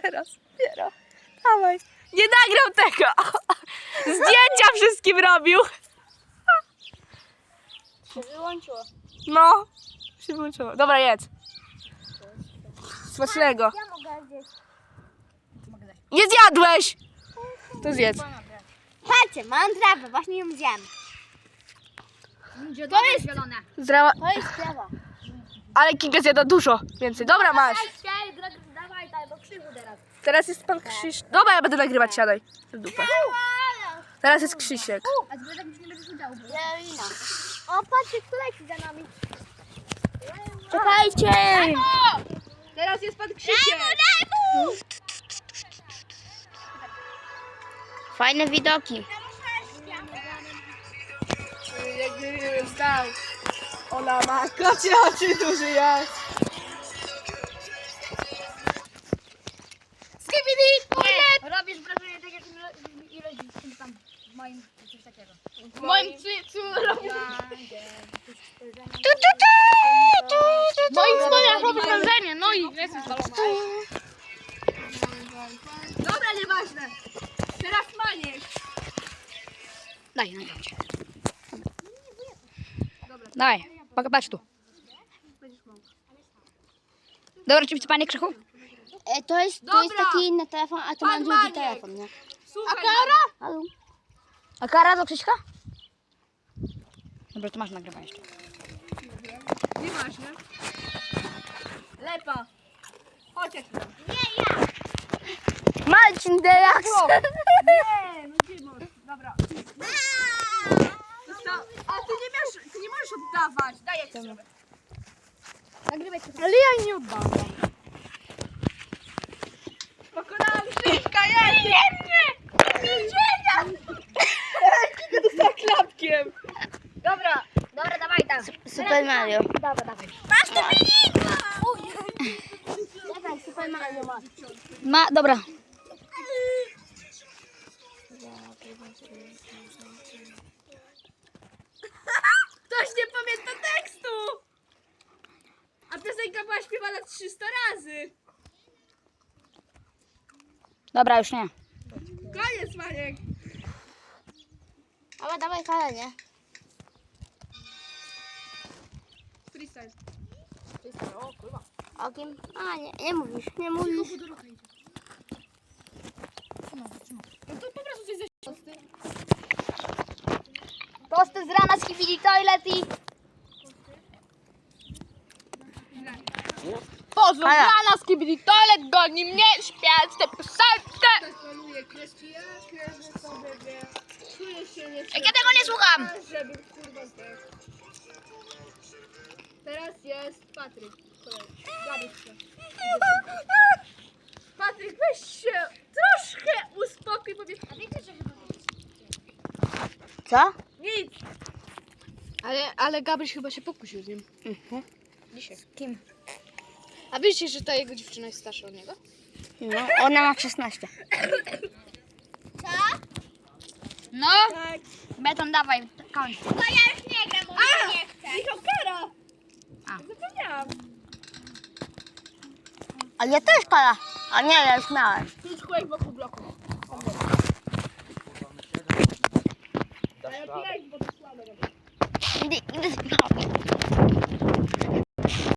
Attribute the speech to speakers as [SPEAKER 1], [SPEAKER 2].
[SPEAKER 1] Teraz, dopiero. Dawaj. Nie nagrał tego. Zdjęcia wszystkim robił.
[SPEAKER 2] Się wyłączyło.
[SPEAKER 1] No, się wyłączyło. Dobra, jedz. Smacznego.
[SPEAKER 2] Ja mogę zjeść.
[SPEAKER 1] Nie zjadłeś! To zjedz.
[SPEAKER 2] Patrzcie, mam trawę, właśnie ją zjem.
[SPEAKER 3] To jest zielone.
[SPEAKER 1] Zdrała.
[SPEAKER 2] To jest trawa.
[SPEAKER 1] Ale Kinga zjada dużo więcej. Dobra, masz.
[SPEAKER 3] Dawaj, daj, bo krzywu teraz.
[SPEAKER 1] Teraz jest pan Krzyś. Dobra, ja będę nagrywać, siadaj. W dupę. Teraz jest Krzysiek.
[SPEAKER 3] A zbyt tak już nie będziesz udziału.
[SPEAKER 2] Lewina. O, patrzcie, kto leci za nami. Czekajcie!
[SPEAKER 1] Teraz jest pan Krzysiek.
[SPEAKER 2] Fajne widoki.
[SPEAKER 1] Jak nie wiem, stał. Ona ma kocie oczy, duży jas.
[SPEAKER 3] Robisz wrażenie tak jak ileś tam w moim coś takiego.
[SPEAKER 1] W moim cycu robię.
[SPEAKER 3] W moich spodniach robisz wrażenie, no i jesteś balona.
[SPEAKER 1] Dobra, nieważne. Teraz Maniek.
[SPEAKER 3] Daj, nagrać. Daj, patrz tu. Dobra, czy panie Krzychu?
[SPEAKER 2] To jest taki inny telefon, a to
[SPEAKER 1] Pan
[SPEAKER 2] mam drugi
[SPEAKER 1] Maniek.
[SPEAKER 2] telefon, nie?
[SPEAKER 1] Słuchaj,
[SPEAKER 2] Halo?
[SPEAKER 3] A kara do Krzyśka? Dobra, to masz nagrywanie jeszcze.
[SPEAKER 1] nieważne. Lepa. Chodź jak
[SPEAKER 2] Marcin Delax!
[SPEAKER 1] Nie, no gdzie możesz? Dobra. A ty nie możesz oddawać. Daj jak sobie.
[SPEAKER 3] Nagrywaj to.
[SPEAKER 2] Ale ja nie oddam.
[SPEAKER 1] Pokonałam Krzyśka, ja nie! Widzenia! Kika dostała klapkiem.
[SPEAKER 3] Dobra, dawaj tam.
[SPEAKER 2] Super Mario.
[SPEAKER 3] Dobra, dawaj.
[SPEAKER 2] Dawaj, Super Mario masz.
[SPEAKER 3] Dobra.
[SPEAKER 1] Ktoś nie pamięta tekstu! A piosenka była śpiewana 300 razy.
[SPEAKER 3] Dobra, już nie.
[SPEAKER 1] Koniec, Maniek.
[SPEAKER 2] Ale dawaj karę, nie?
[SPEAKER 1] Freestyle.
[SPEAKER 2] O kim? A, nie mówisz, nie mówisz.
[SPEAKER 1] No to po prostu coś ze tosty.
[SPEAKER 2] Tosty z rana z Kibili Toilet i...
[SPEAKER 1] Pozdrowiana z Kibili Toilet, goni mnie śpiewać tę piosenkę. Poluje kreski, ja kreżę sobie, wie. Czuję się nie
[SPEAKER 3] Ja tego nie słucham.
[SPEAKER 1] żeby kurwa zdech. Teraz jest Patryk. Gabisz się. Patryk, weź się troszkę uspokój, bo mnie... A wiecie, że chyba...
[SPEAKER 2] Co?
[SPEAKER 1] Nic. Ale Gabryś chyba się pokusił z nim.
[SPEAKER 3] Dzisiaj. Z kim?
[SPEAKER 1] A wiecie, że ta jego dziewczyna jest starsza od niego?
[SPEAKER 2] No, ona ma 16.
[SPEAKER 3] No,
[SPEAKER 1] Tak.
[SPEAKER 3] beton dawaj, kończ.
[SPEAKER 1] Michał Kara!
[SPEAKER 3] A.
[SPEAKER 1] Zapomniałam.
[SPEAKER 2] A ja też kara. A nie, ja już miałem.
[SPEAKER 1] Tu jest kółek wokół bloku. Ale pijaj, bo to słabe robię.
[SPEAKER 2] Idę